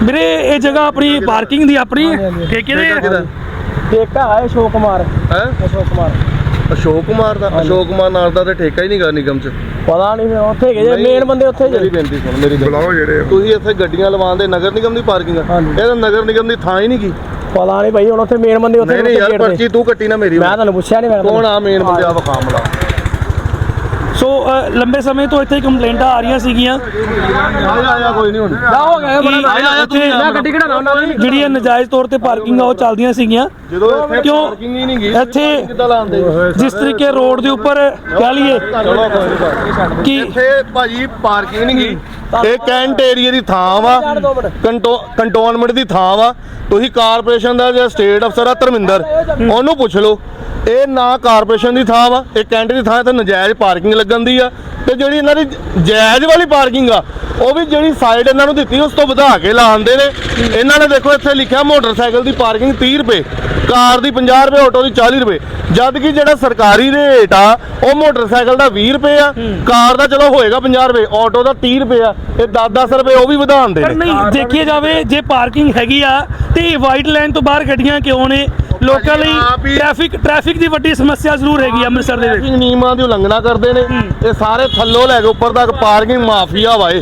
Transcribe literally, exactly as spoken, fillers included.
ਵੀਰੇ ਇਹ ਜਗ੍ਹਾ ਆਪਣੀ ਪਾਰਕਿੰਗ ਦੀ ਆਪਣੀ ਠੇਕੇ ਦੇ ਠੇਕਾ ਹੈ ਅਸ਼ੋਕ ਕੁਮਾਰ ਹੈ ਅਸ਼ੋਕ ਕੁਮਾਰ ਅਸ਼ੋਕ ਕੁਮਾਰ ਦਾ ਅਸ਼ੋਕ ਕੁਮਾਰ ਨਾਲ ਦਾ ਤੇ ਠੇਕਾ ਹੀ ਨਹੀਂ ਗਾ ਨਿਗਮ ਚ ਪਤਾ ਨਹੀਂ ਉੱਥੇ ਗਏ ਮੇਨ ਬੰਦੇ ਉੱਥੇ ਮੇਰੀ ਬੇਨਤੀ ਸੁਣ ਮੇਰੀ ਬੁਲਾਓ ਜਿਹੜੇ ਤੁਸੀਂ ਇੱਥੇ ਗੱਡੀਆਂ ਲਵਾਉਂਦੇ ਨਗਰ ਨਿਗਮ ਦੀ ਪਾਰਕਿੰਗ ਆ ਇਹ ਤਾਂ ਨਗਰ ਨਿਗਮ ਦੀ ਥਾਂ ਹੀ ਨਹੀਂ ਗੀ ਪਤਾ ਨਹੀਂ ਭਾਈ ਹੁਣ ਉੱਥੇ ਮੇਨ ਬੰਦੇ ਉੱਥੇ ਨਹੀਂ ਯਾਰ ਪਰਚੀ ਤੂੰ ਕੱਟੀ ਨਾ ਮੇਰੀ ਮੈਂ ਤੁਹਾਨੂੰ ਪੁੱਛਿਆ ਨਹੀਂ ਮੈਂ ਕੌਣ ਆ ਮੇਨ ਬੰਦੇ ਆ ਵਿਖਾ ਮਲਾ ਸੋ ਲੰਬੇ ਸਮੇਂ ਤੋਂ ਇੱਥੇ ਕੰਪਲੇਂਟਾਂ ਆ ਰਹੀਆਂ ਸੀਗੀਆਂ ਆਇਆ ਆਇਆ ਕੋਈ ਨਹੀਂ ਹੁਣ ਜਾ ਹੋ ਗਿਆ ਬਣਾ ਆਇਆ ਆਇਆ ਤੂੰ ਮੈਂ ਗੱਡੀ ਕਢਾਉਣਾ ਉਹਨਾਂ ਦੀ ਜਿਹੜੀਆਂ ਨਜਾਇਜ਼ ਤੌਰ ਤੇ ਪਾਰਕਿੰਗ ਆ ਉਹ ਚੱਲਦੀਆਂ ਸੀਗੀਆਂ ਜਦੋਂ ਇੱਥੇ ਕਿਉਂ ਪਾਰਕਿੰਗ ਹੀ ਨਹੀਂ ਗਈ ਇੱਥੇ ਕਿੱਦਾਂ ਲਾਉਂਦੇ ਜਿਸ ਤਰੀਕੇ ਰੋਡ ਦੇ ਉੱਪਰ ਕਹਿ ਲਈਏ ਚਲੋ ਕੋਈ ਨਹੀਂ ਕਿ ਇੱਥੇ ਭਾਜੀ ਪਾਰਕਿੰਗ ਨਹੀਂ ਗਈ ਇਹ ਕੈਂਟ ਏਰੀਆ ਦੀ ਥਾਂ ਵਾ ਕੰਟੋਨਮੈਂਟ ਦੀ ਥਾਂ ਵਾ ਤੁਸੀਂ ਕਾਰਪੋਰੇਸ਼ਨ ਦਾ ਜਿਹੜਾ ਸਟੇਟ ਅਫਸਰ ਆ ਧਰਮਿੰਦਰ ਉਹਨੂੰ ਪੁੱਛ ਲਓ ਇਹ ਨਾ ਕਾਰਪੋਰੇਸ਼ਨ ਦੀ ਥਾਂ ਵਾ ਇਹ ਕੈਂਟ ਦੀ ਥਾਂ ਤੇ ਨਜਾਇਜ਼ ਪਾਰਕਿੰਗ ਲੱਗਣ ਦੀ ਆ ਤੇ ਜਿਹੜੀ ਇਹਨਾਂ ਦੀ ਜਾਇਜ਼ ਵਾਲੀ ਪਾਰਕਿੰਗ ਆ ਉਹ ਵੀ ਜਿਹੜੀ ਸਾਈਡ ਇਹਨਾਂ ਨੂੰ ਦਿੱਤੀ ਉਸ ਤੋਂ ਵਧਾ ਕੇ ਲਾਉਂਦੇ ਨੇ ਇਹਨਾਂ ਨੇ ਦੇਖੋ ਇੱਥੇ ਲਿਖਿਆ ਮੋਟਰਸਾਈਕਲ ਦੀ ਪਾਰਕਿੰਗ ਤੀਹ ਰੁਪਏ ਕਾਰ ਦੀ ਪੰਜਾਹ ਰੁਪਏ ਆਟੋ ਦੀ ਚਾਲੀ ਰੁਪਏ ਜਦ ਕਿ ਜਿਹੜਾ ਸਰਕਾਰੀ ਰੇਟ ਆ ਉਹ ਮੋਟਰਸਾਈਕਲ ਦਾ ਵੀਹ ਰੁਪਏ ਆ ਕਾਰ ਦਾ ਚਲੋ ਹੋਏਗਾ ਪੰਜਾਹ ਰੁਪਏ ਆਟੋ ਦਾ ਤੀਹ ਰੁਪਏ ਆ ਇਹ ਦਸ ਦਸ ਰੁਪਏ ਉਹ ਵੀ ਵਧਾਉਂਦੇ ਪਰ ਨੇ ਨਹੀਂ ਦੇਖਿਆ ਜਾਵੇ ਜੇ ਪਾਰਕਿੰਗ ਹੈਗੀ ਆ ਤੇ ਵਾਈਟ ਲਾਈਨ ਤੋਂ ਬਾਹਰ ਗੱਡੀਆਂ ਕਿਉਂ ਨੇ ਲੋਕਾਂ ਲਈ ਟ੍ਰੈਫਿਕ ਟ੍ਰੈਫਿਕ ਦੀ ਵੱਡੀ ਸਮੱਸਿਆ ਜ਼ਰੂਰ ਹੈਗੀ ਅੰਮ੍ਰਿਤਸਰ ਦੇ ਵਿੱਚ ਨਿਯਮਾਂ ਦੀ ਉਲੰਘਣਾ ਕਰਦੇ ਨੇ ਇਹ ਸਾਰੇ ਥੱਲੋਂ ਲੈ ਕੇ ਉੱਪਰ ਤੱਕ ਪਾਰਕਿੰਗ ਮਾਫੀਆ ਵਾ ਇਹ